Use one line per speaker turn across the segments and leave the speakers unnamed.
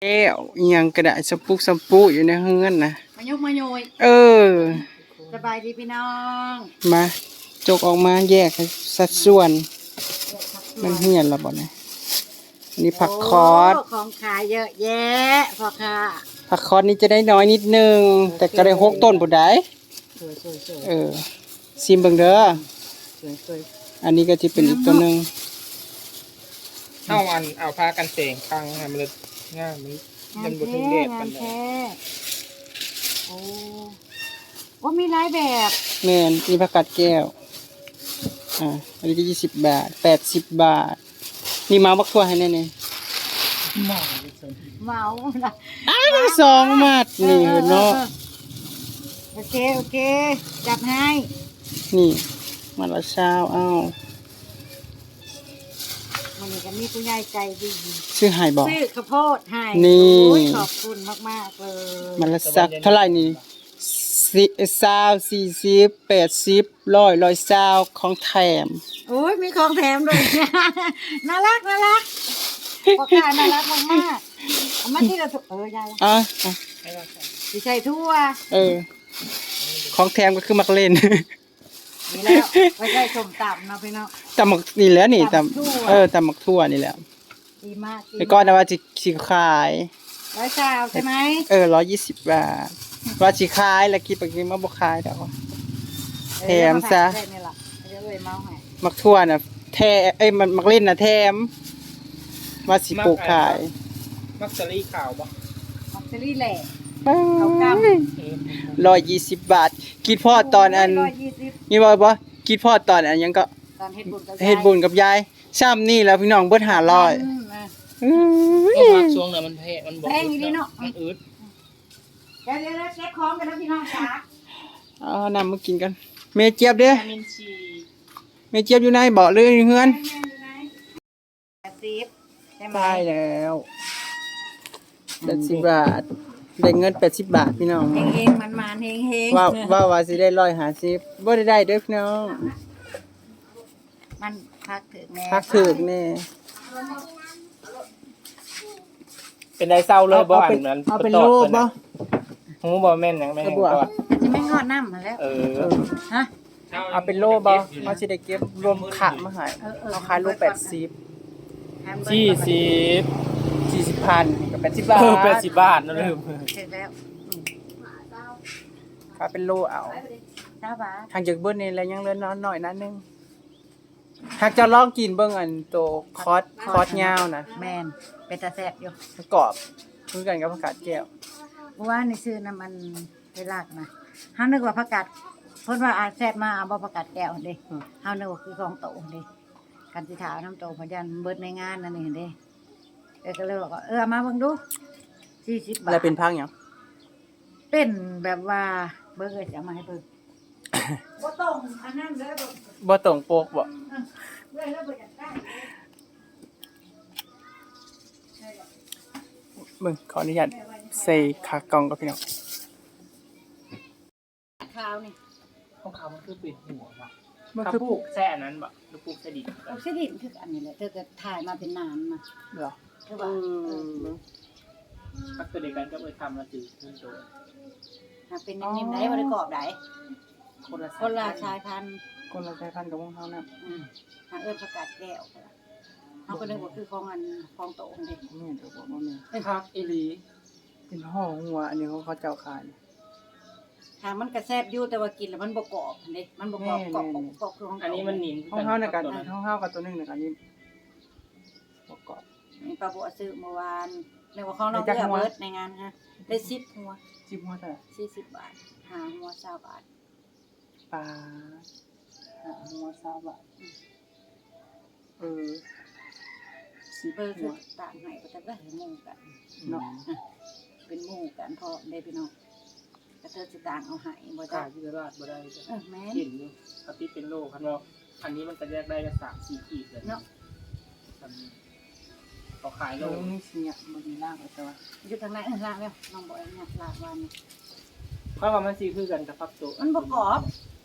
แก้วอิหยังกระดาษสปุกสปุอยู่ในเฮือนนะ
มายกมาโยยสบายดีพี่น้อง
มาจกออกมาแยกสัดส่วนมันเฮียนละบ่เนี่ยอันนี้ผักคอส
ของขายเยอะแยะพ่อค่ะ
ผักคอสนี่จะได้น้อยนิดนึงแต่ก็ได้6 ต้นบ่ได้ซิมเบิ่งเด้ออันนี้ก็จะเป็นอีกตัวนึง
เอาผ้ากันเสงคังให้มันง่ายมันบ่ถึงเด็ดปานใด
โอ้ว่ามีหลายแบบ
แม่นมีผักกาดแก้วอันนี้ก็20 บาท80 บาทนี่มาบักทั่วให้แน่
เมา
ละ2 มัดนี่เนาะ
โอเคจับให้
นี่มัดละ20เอา
มันนี่ก็มีผู้ใหญ่ใจดี
ซื้อให้บ่
ซื้อข้าวโพดให้ขอบคุณมากๆเลย
มันละสักเท่าไหร่นี่20 40 80 100 120ของแถม
โอ้ยมีของแถมด้วยน่ารักพ่อค้าน่ารักมากๆเอามาที่เรายายสิใส่ทั่ว
ของแถมก็คือมักเล่น
นี่แล้วไม่ใช่ส้มตำนะพี่น้อง
ตำมักนี่แหละนี่ตำตำมักทั่วนี่แหละ
ดีมาก
แล้วก็นะว่าสิขาย
120ใช่ไหม
120 บาทว่าสิขายแล้วคิดไปกินมาบ่ขายดอกแถมซะมักทั่วน่ะมันมักเล่นน่ะแถมว่าสิปลูกขาย
มักสลีขาวบ่
มักสลีแหล่
เขากำ120 บาทคิดพ่อตอนอันนี่บ่คิดพ่อตอนอันยังก็
ตอนเฮ็ด
บุญกับยายซ้ำนี่แล้วพี่น้องเบิด500
ช่วงนั้นมันมันบ่
แพงดีเนาะ
มันอึด
เดี๋ยวเช็คของกันนะพี่น้องจ๋า
น้ำมากินกันเมเจี๊ยบเด้เมเจี๊ยบอยู่ไหนบอกเลยเฮือนได้แล้ว80 บาทได้เงิน80 บาทพี่น้อง
เฮงมันเฮง
ว่าสิได้150บ่ได้เด้อพี่น้อง
มันพัก
ถึกแน่
เป็นได้เศร้าเลยบ่อันนั้น
เอาเป็นโลบ่
ฮู้บ่แม่นหยังแม่นก็
จะไม่งอดน้ำมาแล้วฮะ
เอาเป็นโลบ่เฮาสิได้เก็บรวมขะมาให้เอาขายโล80 40,000ก็80 บาท
80 บาทนั่นลืม
เสร็จแล้ว
ถ้าเป็นโลเอา
20 บาท
ทางจากเบิ้ลนี่แล้วยังเหลือน้อยนั่นนึงหากจะลองกินเบิ่งอันโตคอสยาวนะ
แม่นเป็นตาแซ่บอยู่
กรอบคือกันกับผักกาดแก้ว
ว่าในซื้อน้ำมันไปลากนะเฮานึกว่าผักกาดเพิ่นว่าแซ่บมาเอาบ่ผักกาดแก้วเด้เฮานึกว่าคือของโตเด้กันสิถาวน้ำโตพยันเบิดในงานนั่นนี่เด้ก็เลยบอกว่ามาเบิ่งดู40 บาท
แล้วเป็นพักหยัง
เป็นแบบว่าเบิ่งจะเอามาให้เบิ่งบ่ตรงอันนั้นเด้อ
บ่ตรงโปกบ่
เบิ่งแล้วบ่อยากได้
เบิ่งขออนุญาตใส่ขากล่องกับพี่น้อง
ข้าวนี่
ของเขามันคือปิดหัวว่ะมันคือปลูกแซ่อันนั้นบ่หรือปลูกแซ่ดิน
ปลูกแซ่ดินคืออันนี้แหละเธอก็ถ่ายมาเป็นนานมา
เหรอ
มักตัวเดียวกันก็ทำแล้วจืดขึ้นโต
เป็นนิ่มๆได้บ่ได้กรอบได้คนละชายพันธุ์
กับของเฮานะ
หาผักกาดแก้วเฮาก็นึกว่าคือของโตเด้
แม่นเด้อบ่แม่น
เป็นผักอีหลี
เป็นห่อหัวอันนี้เขาเจ้าขาย
ทางมันก็แซ่บอยู่แต่ว่ากินแล้วมันบ่กรอบเด้มันบ่กรอบคือของ
อันนี้มันนิ่ม
ของเฮาน่ะกันของเฮากับตัวนึงน่ะกันนี่บ่กรอบ
นี่ป้าบัวซื้อเมื่อวานเรียกว่าของเราเลือกเบิดในงานฮะได้10 หัว
10 หัวเท่าไหร่
40 บาท5 หัว20 บาท
ปลา5 หัว20 บาท
10 หัวต่างให้ก็จะได้หมู่กันเนาะเป็นหมู่กันพอได้พี่น้องกระเทยสิต่างเอาให้บ่ได้
ที่ตลาดบ่ได้
แม่น
เห็นอยู่ปฏิเป็นโลคันว่าอันนี้มันก็แยกได้ก็3-4 ขีดเลย
เนาะ
เขาขายโล
นี่สิเนี่ยบ่มีล่างเลยแต่ว่า
อยู่ทางไหนล่างแล้วน้องบ่เนี่ยลากวัน
เพราะว่ามันสิคือกันกับฟักโต
มันบ่กรอบ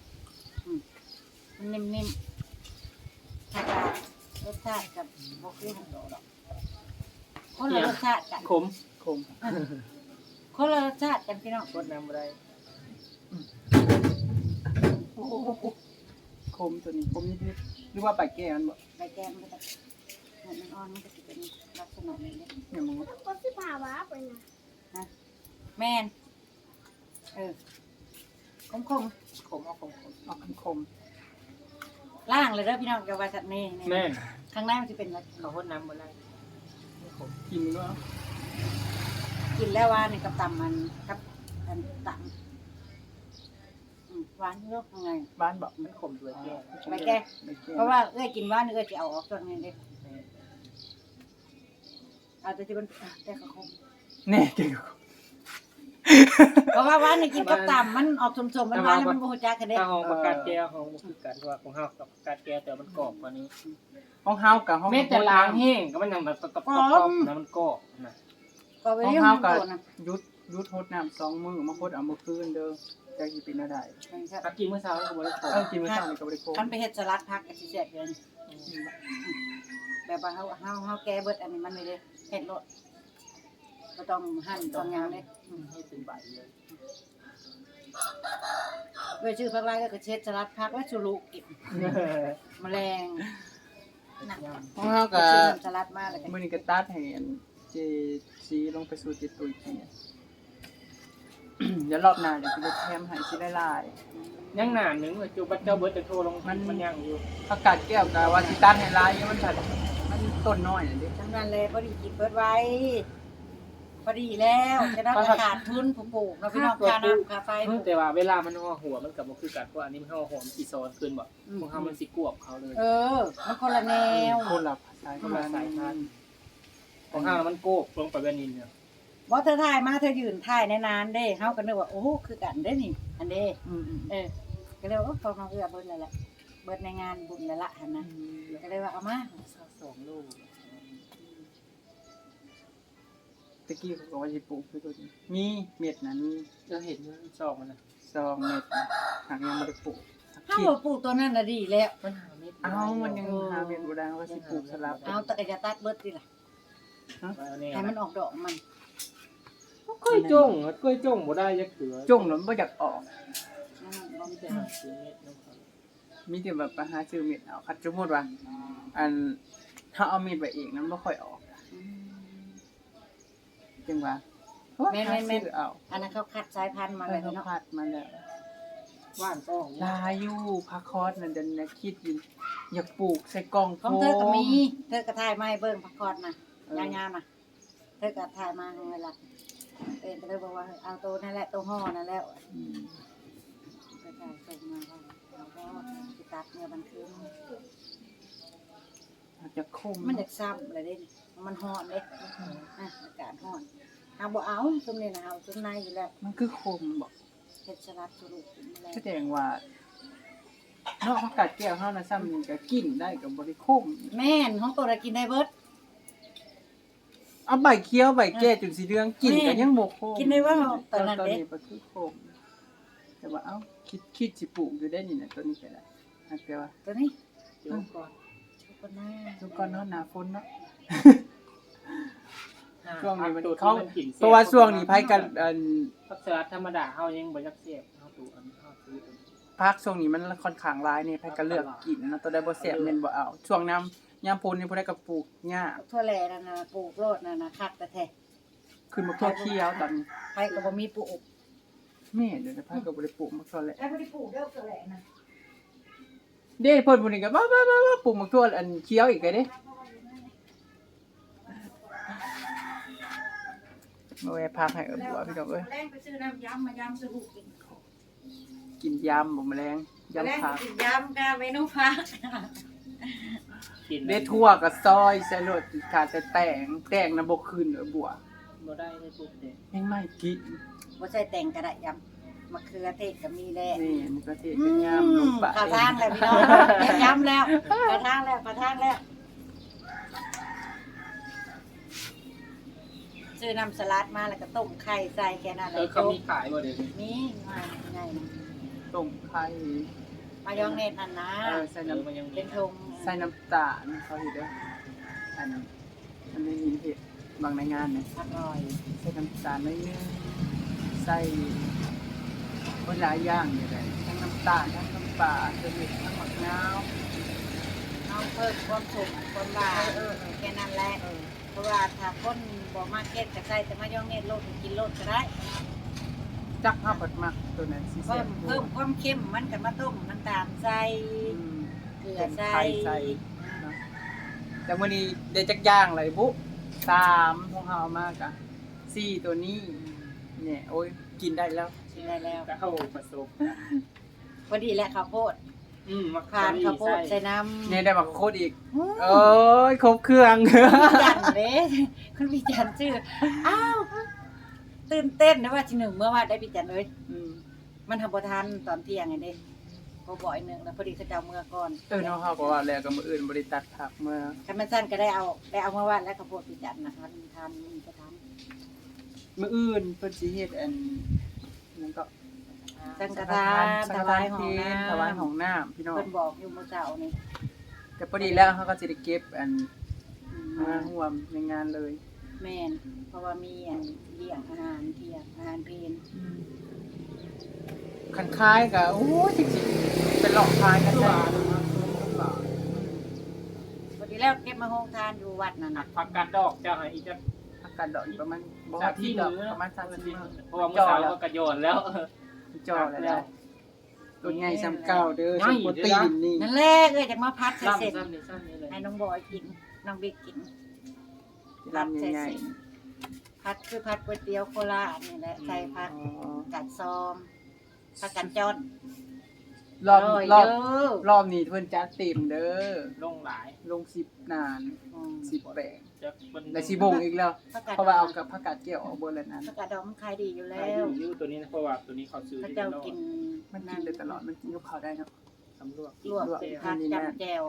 มันนิ่มๆถ้ารสชาติกับบ่คือของโตดอกคนละรสชาติกัน
ขม
คม
คนละรสชาติกันพี่น้อง
กดน้ำอะไร
โอ้โหคมตัวนี้คมนิดๆหรือว่าปลายแก้วมันบ่
ใบแก้มมันก็จะมันอ่อนมันก็จะเป็นลักษณะนี้เลย
เนี่ยมึง
ก็สิพาว่าไปนะ
แม่นคม
ขมเอาขม
ออกคม
ๆล่างเลยเด้อพี่น้องกับว่าสัตว์นี่
แม่น
ข้างในมันจะเป็นอะไร
เขากดน้ำอะไรขม
กินก็
กินแล้วว่านี่กับตำมันกับอันตำหวานเยอะยังไง
บ้านบอก
มันขมด้วยแก้ว
ใบแก้
ใบแก้
เพราะว่ากินหวานเอ้ยจะเอาออกส่วนนี้เด้เอาแต่ที่มันแต่ก็คม
แน่จริง
เพราะว่าหวานนี่กินกับตำมันออกสมๆมันหวานแล้วมันบ่ฮู้จักกันเด้
ถ้าห้องประกาศแก้วห้องคือกันว่าของเฮากับประกาศแก้วแต่มันกรอบกว่านี้
ห้องเฮากับห้อง
แม้แต่ล้างแห้งก็มันยังแบบตบๆนะมันกรอบนะ
ก็ไป
ห้อง
เรื่อง
เฮา
มัน
กับ
โดนนะ
ยุดโทษน้ำ2 มื้อมาโคตรเอามาคืนเด้อจะสิเป็นอะไร
ถ้ากินเมื่อเช้าก็บ่ได้ขม
กินมื้อเช้านี่ก็บ่ได้คม
คันไปเฮ็ดสลัดผักก็สิแซ่บเลยแบบว่าเฮาแก้เบิดอันนี้มันไม่ได้เฮ็ดโลดบ่ต้องหั่นต้องหยังเด้
ให้เป็นใบเลย
เว้ยชื่อผักลายก็เฮ็ดสลัดผักไว้สุรุกินแมลง
ห้องเฮากับ
ชื่อน้ำสลัดมาแล้วก็
มื้อนี้ก็ตัดให้อันเจซีลงไปสู่เจตุยกินเดี๋ยวรอบหน้าเดี๋ยวสิไปแถมให้สิได้หลาย
ยังหนาหนึ่งจูบัตเจ้าเบิร์ดจะโทรลงมันยังอยู่
ผักกาดแก้วกับว่าสิตัดให้หลายมันผัดมันต้นน้อยน่ะเด้
ทั้งนั้นเลยพอดีกินเบิดไว้พอดีแล้วจะได้ขาดทุนผู้ปลูกเนาะพี่น้องค่าน้ำค่าไฟปลูก
แต่ว่าเวลามันห่อหัวมันกับมันคือกันเพราะอันนี้มันห่อหัวมันกี่โซนขึ้นบ่ของเขามันสิกวบเขาเลย
มันคนละแนว
คนละสาย
คนละสายพันธุ์ของเขามันโกบลงไปแบบนี้เนี่ย
บ่เธอถ่ายมาเธอยืนถ่ายในนานเด้เฮาก็นึกว่าโอ้คือกันเด้นี่อันเด้
อืม
ก็เลยว่าเขามาเอื้อเบิดแล้วแหละเบิดในงานบุญแล้วล่ะหั่นนะก็เลยว่าเอามา
2 ลูก
ตะกี้เขาก็ว่าสิปลูกคือตัวนี้มีเม็ดน่ะมี
จะเห็นมันซอกมันนะ
2 เม็ดน่ะหากยังบ่ได้ปลูก
ถ้าบ่ปลูกตัวนั้นน่ะดีแล้ว
มันหาเม็ด
เอ้ามันยังหาเม็ดบ่ได้ว่าสิปลูกสลับ
เอาแต่ก็จะตัดเบิดติล่ะให้มันออกดอกมัน
กล้วยจงกล้วยจงบ่ได้ยักเถือ
จุ่งแล้วมันบ่อยากออก
มีแต่หาซื้อเม็ดนะครับ
มีแต่แบบไปหาซื้อเม็ดเอาคัดสมมุติว่าอันถ้าเอาเม็ดไว้เองนั้นบ่ค่อยออกจังว่าหาซื้อเอา
อันนั้นเขาคัดสายพันธุ์มาเลย
เขา
เนาะ
พัดมาแล้ว
ว่านต้อง
ลาอยู่พักคอร์สนั่นจะนะคิดอยู่อยากปลูกใส่กล่องโฟ
ของเธอก็
ม
มีเธอก็ถ่ายมาให้เบิ่งพักคอดน่ะยาวๆน่ะเธอก็ถ่ายมาเวลาก็เลยบอกว่าเอาตัวนั่นแหละตัวห่อนั่นแล้ว
อืม
ก็ถ่ายส่งมาว่าเราก็สิตัดเนี่ยมันคือ
อาจจะคม
มันอยากซ้ำเลยเด้นี่มันฮ้อนเด้อากาศฮ้อนเอาบ่เอาซุมนี่นะเอาซุมในอยู่แล้ว
มันคือคมบอก
เฮ็ดสลัดสุรุกินมาแล้ว
แสดงว่าเนาะผักกาดแก้วเฮานะซ้ำนี่ก็กินได้ก็บ่ได้คม
แม่นของตัวน่ะกินได้เบิด
เอาใบเขียวใบแก่จนสีเหลืองกินก็ยังบ่คม
กินได้ว่าตอนนั้น
ตอน
เด้
นี้ก็คือคมแต่ว่าเอ้าคิดสิปลูกอยู่ได้นี่นะตัวนี้ก็ได้แต่ว่า
ตัวนี้
เดี๋ยวก่อน
ชุกหน้า
ทุกคนเนาะหน้าฝนเนาะ
ช่วงนี้มัน
เขาเพราะว่าช่วงนี้ไผกันอัน
พักสลัดธรรมดาเฮายังบ่ยักเสียบเฮาตูอันเฮาซื้อ
พักช่วงนี้มันค่อนข้างหลายนี่ไผก็เลือกกินนะตัวใดบ่แซ่บแม่นบ่เอาช่วงน้ำยามฝนนี่ผู้ใดก็ปลูกหญ้า
ทั่วแลนั่นน่ะปลูกโลดนั่นน่ะคักแต่แท้
ขึ้นมาทั่วเที่ยวตอนนี้
ไผก็บ่มีปลูก
แม่เดี๋ยวจะไผก็บ่ได้ปลูกมาทั่วแหละ
ไอ้บ่ได้ปลูกเด้อทั่วแลน่ะ
เด้เพิ่นผู้นี้ก็บ้าปลูกมาทั่วอันเขียวอีกก็เด้มาแวะพักให้บัวพี่น้องเอ้ย
แรงไปซื้อน้ำยำมายำสุรุกิน
กินยำบ่แมลงยำผัก
กินยำกับเมนูผัก
กิน
เด้ทั่วกับซอยใส่รสขาดแต่แต่งน่ะบ่ขึ้นบัว
บ่ได้ได้ปลูกเด็ก
ยังไม่กิน
บ่ใส่แต่งก็ได้ยำมะเขือเทศก็มีแล้ว
นี่มันก็เทศเป็นยำลงไป
กระทางแล้วพี่น้องยำแล้วกระทางแล้วซื้อน้ำสลัดมาแล้วก็ต้มไข่ใส่แค่นั้นเลย
เขามีขายบ่เด็ก
มีมาไง
ต้มไข่
มายองเนสอันนะ
ใส่
มัน
น้ำ
ยัง
เป็นธง
ใส่น้ำตาลเขาเห็นเด้ออันนี้เห็ดบางในงานเนี่ย
อร่อย
ใส่น้ำตาลน้อยนึงใส่หลายอย่างอยู่เลยทั้งน้ำตาลทั้งน้ำปลาทั้งเม็ดทั้งมะนาว
เอาเพิ่มความสุขความหวานแค่นั้นแหละเพราะว่าถ้าคนบ่มาเก็ตก็ใส่แต่มายองเนสโลดกินโลดก็ได้
จักห้าบดมักตัวนั้นสิ
เพิ่มความเข้มมันก็มาต้มน้ำตาลใส่เกลือใส่
ไข่ใส่เนาะแต่วันนี้ได้จักย่างเลยบุ๊3ของเฮาเอามากอะ4ตัวนี้เนี่ยโอ้ยกินได้แล้ว
กินได้แล้ว
ก็เข้าผสม
พอดีแหละข้าวโพด
มะ
ทานข้าวโพดใส่น้ำ
เนี่ยได้บักโคตรอีกโอ้ยครบเครื่อง
จันเด้คุณพี่จันชื่ออ้าวตื่นเต้นนะว่าที่หนึ่งเมื่อวานได้พี่จันเลย
อืม
มันทำบ่ทันตอนเที่ยงไงเด้พอบ่อยหนึ่งแล้วพอดีเขาจะเอาเมื่อก่อน
เนาะเฮาก็ว่าแล้วก็มื้ออื่นบ่ได้ตัดผักเมื่อ
คันมันสั้นก็ได้เอาเมื่อวานแล้วข้าวโพดพี่จันนะทานมีก็ทาน
มื้ออื่นเพิ่นสิเฮ็ดอันนั่นก็
สังฆทานถวายของน้ำ
ถวายของน้ำพี่น้อง
เพิ่นบอกอยู่เมื่อเช้านี่
แต่พอดีแล้วเฮาก็สิได้เก็บอัน
มา
มาร่วมในงานเลย
แม่นเพราะว่ามีอันเลี้ยงอาหารเที่ยงอาหารเพลน
คันคายก็โอ้ยจริงๆเป็นหลอกคายกันได้
พอดีแล้วเก็บมาโฮงทานอยู่วัดนั่นน่ะ
ผักกาดดอกจะให้อีกจะ
อากาศดอกอีกประมาณบ่
สา
ฮอ
ม
ด
ที่
ที่ดอก
มื้อ
ประมาณ30มื้อ
เพราะว่ามื้อเช้าก็กระโยนแล้ว
จ่อแล้วตัวใหญ่ซ้ำเก่าเด้อสมโปรตีนนี่
นั่นแหละเอ้ยจะมาพัดใส่เสร็จ
ซ้ำนี่เลย
ให้น้องบอยกินน้องบิ๊กกิน
ลำใหญ่
พัดคือพัดก๋วยเตี๋ยวโคราชนี่แหละใส่ผัก
ๆอ๋อ
กัดซอมผักกัดจอน
รอบ
ร่ย
รอบ
เด้อ
รอบนี้เพิ่นจัดเต็มเด้อ
ลงหลาย
ลง10นาน
อืม
10แปลง
จะเป็น
และสิบงอีกแล้ว
ผักกัด
เพราะว่าเอากับผักกาดแก้วออกบนแล้วนั้น
ผักกัดดองมันขายดีอยู่
แล้
แล้ว ว
ยูตัวนี้นะเพราะว่าตัวนี้เขาซื้อ
พระ
ที่
เจ้า
โลก
กิน
มันกินได้ตลอดมันกินกับข้าวได้เนาะ
สำรวจ
ลวก
ลวก
ผัก
นี่นะ
จำแจว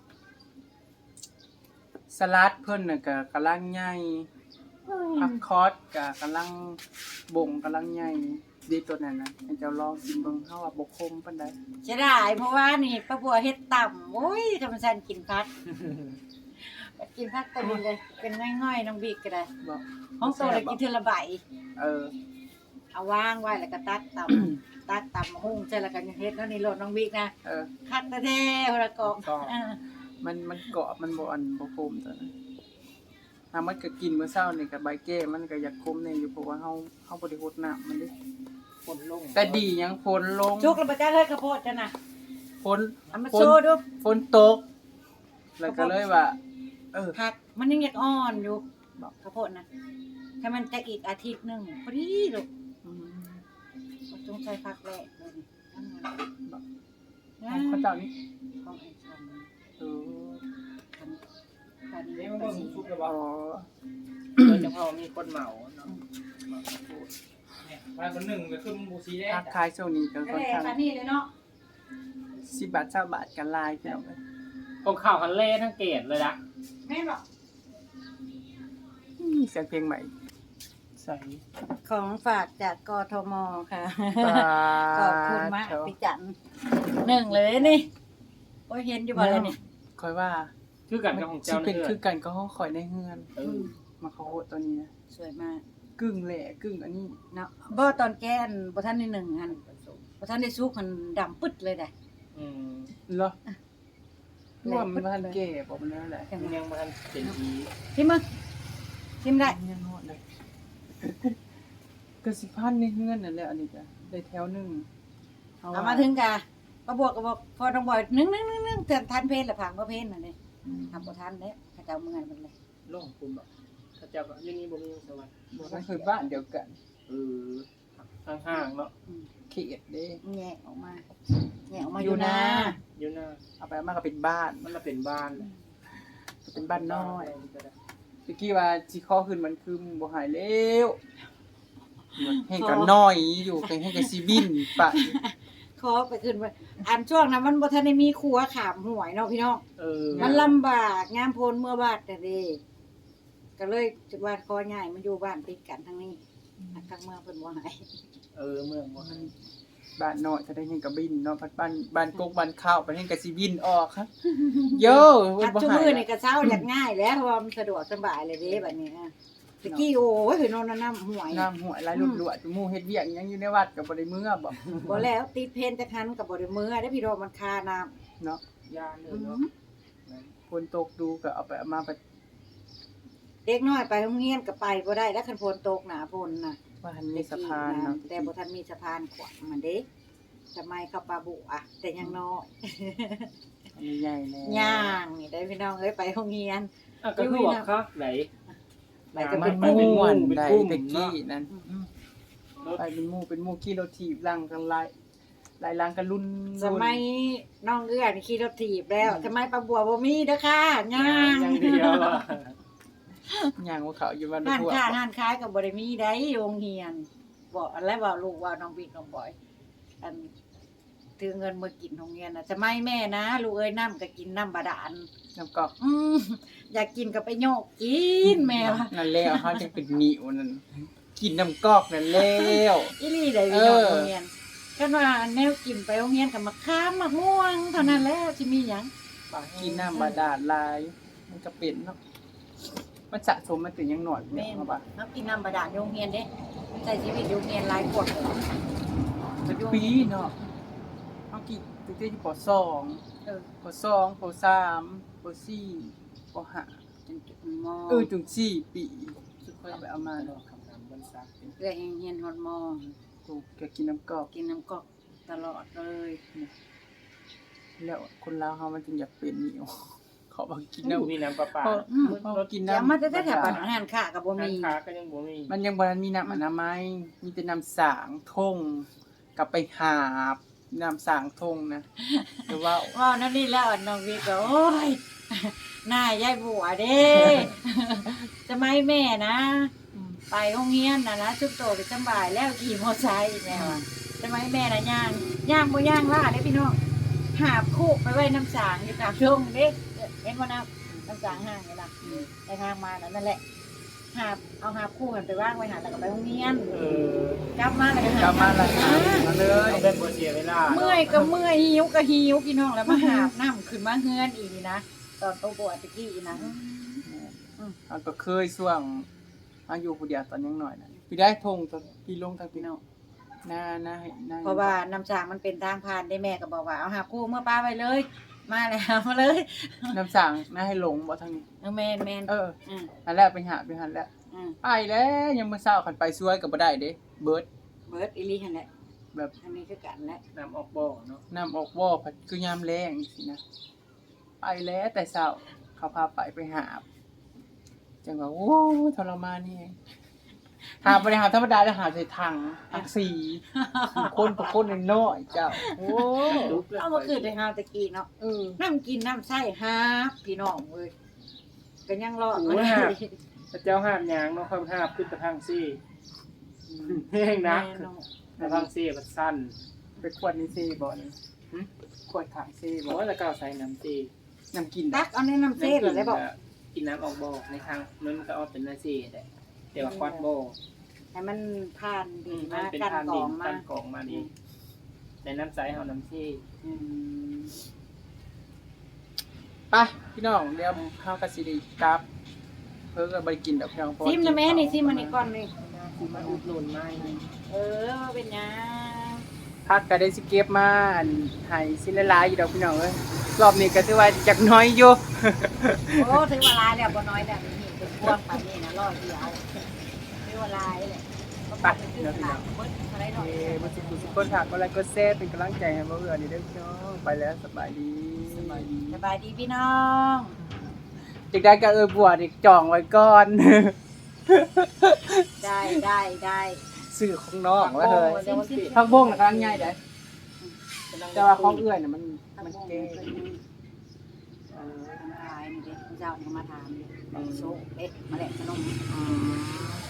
สลัดเพิ่นน่ะก็กำลังใหญ่ผักคอสก็กำลังบ่งกำลังใหญ่ดีตัวนั้นน่ะให้เจ้าลองกินเบิ่งเฮาว่าบ่คมปานใด
ใช่ได้เพราะว่านี่ป้าบัวเฮ็ดต่ำโอ้ยธรรมชาติกินพักกินพักตัวนี้เลยเป็นง่อยๆน้องบิ๊กก็ได้
บ่
ห้องโตเลยกินเทอละใบ
เออ
เอาวางไว้แล้วก็ตักต่ำ ตักต่ำหุ้งใช่แล้วกันเฮ็ดแล้วนี่โลดน้องบิ๊กนะ
เออ
คักแท้ๆคนละกอกอ่า
มันกรอบมันบ่อันบ่คมตัวนั้นถ้ามันก็กินมื้อเช้านี่ก็ใบแก้มันก็อยากคมแน่อยู่เพราะว่าเฮาบ่ได้รดน้ำมันเด้
คนลง
แต่ดีหยังฝนลง
จุกแล้วบ่จ้าเฮ้ยข้าวโพดจ้ะน่ะ
ฝน
เอามาโชว์ดู
ฝนตก แล้วก็เลยว่า เออ
ผักมันยังอยากอ่อนอยู่
บอก
ข้าวโพดนะถ้ามันจะอีกอาทิตย์หนึงพอดีลูก
อืม
จงใช้ผักแรกเลยนี่
ของพระเจ้านี่
ของไอ้ชัน
เออ
คันคัน
นี่
นี้
มัน
ก็
ก็
สิ
สุกแล้ว
อ๋
บ่
อ
โดยเฉพาะมีคนเหมาเนาะเหมาพูดเนี่ยวันคนหนึ่งก็คือมันบูซีได้
ทักทายช่วงนี้ก็
ก็
ค่อน
เลย
ข้าง
คันนี้เลยเนาะ
10 บาท20บาทกันลายพี่น้องเอ้ย
ของข่าวคันเล่ทั้งเกตเลยนะ
แม่บอก
มีเสียงเพลงใหม่
ใส่
ของฝากจากกทมค่ะ
บา
ขอบคุณมากพี่จันหนึ่งเลยนี่โอ้ยเห็นอยู่บ่เลยนี่
ค่อยว่า
คือกันกับของ
สิ
เจ้า
เป็น
เนื้อ
คือกันก็ห้องคอยในเฮือน
เออ
มาเขาโหดตัวนี้นะ
สวยมาก
กึ่งแหล่กึ่งอันนี้
เนาะบ่ตอนแก้นบ่ทันได้หนึ่งหันบ่ทันได้สุกหันดำปึ๊ดเลยได้
อืม
เหรอว่ามันทันแก่บอกมันนั่นแหละ
มันยังมันเป็นดี
ชิมมั้งชิมได้
ยังฮอดเลยก็สิพันในเฮือนนั่นแหละอันนี้จ้ะได้แถวหนึง
เอามาถึงกะก็บวกก็บอกพอต้องบ่อยนึงเตือนทันเพลละผังบ่เพลน่ะนี่ทำบ่ทันเด้เขาเจ้าเมื่อยมันเลย
โล่งคุณบอกถ้าเจ้าก็อยังนี้บ่มีสวัสดิ์
บอกว่าคือบ้านเดียวกัน
เออห่างๆเนาะ
เขตเด้
แงะออกมาอยู่นะ
อยู่หน้า
เอาไปเอามาก็เป็นบ้าน
มันละเป็นบ้าน
เป็นบ้านน้อยตะกี้ว่าสิข้อขึ้นมันคือบ่หายแล้วให้ก็น้อยอยู่ให้ก็สิบินไป
ขอไปขึ้นไปอันช่วงนั้นมันบ่ทันได้มีครัวขามหวยเนาะพี่น้อง
เออ
มันลำบากงามโพนเมื่อบาดแต่เด้ก็เลยจุดว่าขอย้ายมาอยู่บ้านติดกันทั้งนี้ทางเมืองเพิ่นบ่ให้
เออเมืองบ่ให้
บ้านน้อยถ้าได้เห็นก็บินเนาะพัดบ้านกกบ้านข้าวไปเห็นก็สิบินออกครับโย
อัด
บ่
จุ
หา
มือย นี่ก็เช้าอยากง่ายแล้วเพราะว่ามันสะดวกสบายเลยเด้บัดนี้นะตะกี้โอ้ยนอนน้ำห่วย
น้ำหัวไหลรวดๆหมู่เฮ็ดเวียกยังอยู่ในวัดก็บ่ได้มื้อบ่
บ่แล้วติดเพนจะคันกับบ่ได้มือได้พี่โดมันคาน้ำ
เนาะ
ยาเลยเนาะ
ฝนตกดูก็เอาไปเอามาไป
เด็กน้อยไปโรงเรียนก็ไปบ่ได้แล้วคันฝนตกหนาฝนน่ะ
ว่าหันมีสะพานเนาะ
แต่บ่ทันมีสะพานขวางมันเด้สมัยกับปาบุอ่ะแต่ยังน้อย
อันนี้ใหญ่แน่
ย่างนี่ได้พี่น้องเอ้ยไปโรงเรียน
อ่ะก็คือว่าคักไหน
ไปก็เป็น
มันเป็น
หมู่
ม่วน
เป็น
ได้
กลุ่ม
ตะกี้นั่น
รถ
ไปเป็นหมู่ขี่รถถีบลังกันหลายลังกันรุ่น
สมัยน้องเอื้อนี่ขี่รถถีบแล้วสมัยปาบัวบ่มีเด้อค่ะย่าง
อย่างเดียวอ่ะ
ย่างว่าเขาอยู่บ้าน
ห้าน
ทั่ว
ค้าห้านขายก็บ่ได้มีได้โรงเรียนบอกอะไรว่าลูกว่าน้องบิ๊กน้องบอยอันถือเงินมากินโรงเรียนน่ะสมัยแม่นะลูกเอ้ยน้ำก็กินน้ำบาดาล
น้ำกอก
อยากกินก็ไปโยกกินแม่ว่า
นั่นแล้วเขาจะเป็นหนิวนั่นกินน้ำกอกนั่นแล้ว
อีหลีได้พี่น้องโรงเรียนกันว่าแนวกินไปโรงเรียนก็มะขามมะม่วงเท่านั้นแหละสิมีหยัง
กินน้ำบาดาลลายมันจะเป็นเนาะมันสะสมมาถึงยังหน่อย
แม่
เนี่ย
น
เขาบอก
เฮากินน้ำบาดาลโรงเรียนเด้ใช้ชีวิตโรงเรียนหลายกว่า
เป็นปีเนาะเขากินตั้งแต่ที่ป.2
เออ
ป.2 ป.3 ป.4 ป.5
จนจุดมอ
ถึง4 ปีเอาไปเอามา
ดอกคำนำบนซัก
เอื้อเฮียนฮอดมอ
ถูกแกกินน้ำกอก
กินน้ำกอกตลอดเลย
แล้วคนลาวเขามันจึงอยากเป็นหนิวเขาบอกกิน
น้ำ
น้ำ
มีน้ำประปา
พอกิน
เดี๋ยว
น้ำ
มาแต่แถวบ้านอาหารค่ะก็บ่
ร้าน
มี
ค้าก็ยังบ่มี
มันยังบ่ทันมีน้ำอนามัยมีแต่น้ำสางทงกลับไปหาบน้ำสางทงนะแต่ว่า
ว้าวนั่นนี่แล้วน้องวิก็โอ้ยหน้ายายบัวเด้ จะไม่แม่นะ ไปโรงเรียนนะชุบโตไปสำบายแล้วขี่มอไซค์แม่ว่าจะไม่แม่นะย่างบ่ย่างล่าเด้พี่น้องหาบคู่ไปไว้น้ำสางอยู่กลางทุ่งเด้เห็นบ่น้ำสางห่างนี่ล่ะไปทางมานั่นแหละหาบเอาหาบคู่กันไปวางไว้หาแล้วก็ไปโรงเรียน กลับมาแล้วก็หาก
ลับมาละมาเลย
ต้องเป็นบ่เสียเวลา
เมื่อยก็เมื่อยหิวก็หิวพี่น้องแล้วมาหาบน้ำขึ้นมาเฮือนอีนี่นะตอนโตปวดตะกี้อีนะ
มันก็เคยช่วงอายุผู้เดียวตอนยังน้อยนะพี่ได้ทงตอนพี่ลงทางพี่น้องน่าให้น่า
เพราะว่าน้ำสางมันเป็นทางผ่านได้แม่ก็บอกว่าเอาหาคู่เมื่อป้าไปเลย มาแล้วมาเลย
น้ำสางน่าให้หลงบ่ทางนี้
แมนอืม
อันแรกไปหาไปหันแล้ว
อืม
ไปแล้วยังมื้อเช้าคันไปช่วยก็บ่ได้เด้เบิด
เบิร์ดอีลี่หันแหละ
แบบ
อันนี้คือกันแหละ
น้ำออกบ่อเนาะ
น้ำออกบ่อพัดคือยามแรงสินะไปแล้วแต่เช้าเขาพาไปหาบจังว่าโอ้ทรมานนี่หาบ่ได้หาธรรมดาแล้วหาใส่ถังสีคนน้อยๆเจ้าโอ้
เอามาคืนในฮาตะกี้เนาะน้ำกินน้ำใส่ฮาพี่น้องเว้ยก็ยังรอดมาได้
พระเจ้าห้ามยางเนาะค่อยห้ามขึ้นตะพังซี่แห้งนักตะพังซี่มันสั้น
ไปขวดนี่ซีบ่นี่ขวดถังซี
บอ
บ่
กว่าจะก้าวใส่น้ำซี่
น้ำกิน
ตักเอาในน้ำเส้นเหรอได้บอก
กินน้ำออกบ่อในทางมันก็เอาเป็นน้ำซี่แต่เดี๋ยวควัดบ่อ
ให้มันผ่านดี
มั
มาน
เป็น
กัน
ทาน
กร
ดิ
อน งมา
กันกองมาดีในน้ำใสเอาน้ำซี่
ไปพี่น้องเดี๋ยวเฮาก็สิได้กลับเพิ่นก็บ่ได้กินดอกพี่น้อง
ซิมนะแม่นี่ซิมมันนี่ก่อนนี่
คือมาอุดหนุนไม้
เป็นยัง
พักก็ได้สิเก็บมาอันให้สิหลายๆอยู่ดอกพี่น้องเอ้ยรอบนี้ก็ถือว่าจักน้อยอยู่
โอ้ถึงเวลาแล้วบ่น้อยแล้วนี่เป็นพวงปานนี้นะร้อยเดียวถึงเวลาแล้วไปเดี๋ยวพี่น้องเบิดอะไรหน่อย
บ่สิผู้สุคนฝากกดไลค์กดแชร์เป็นกำลังใจให้บ่เบื่อนี่เด้อพี่น้องไปแล้วสบายดี
สบายดีพี่น้อง
จักได้ก็บวชอีกจองไว้ก่อน
ได้
ซื้อของน้องแล้วเลย
ซิม
ผักบงน่ะกำลังใหญ่เด้แต่ว่าของเอื้อยน่ะมันแก่
ขายนี่เด้เจ้ามาถามดิโซ่เด็ดมาแหละขนม
อืม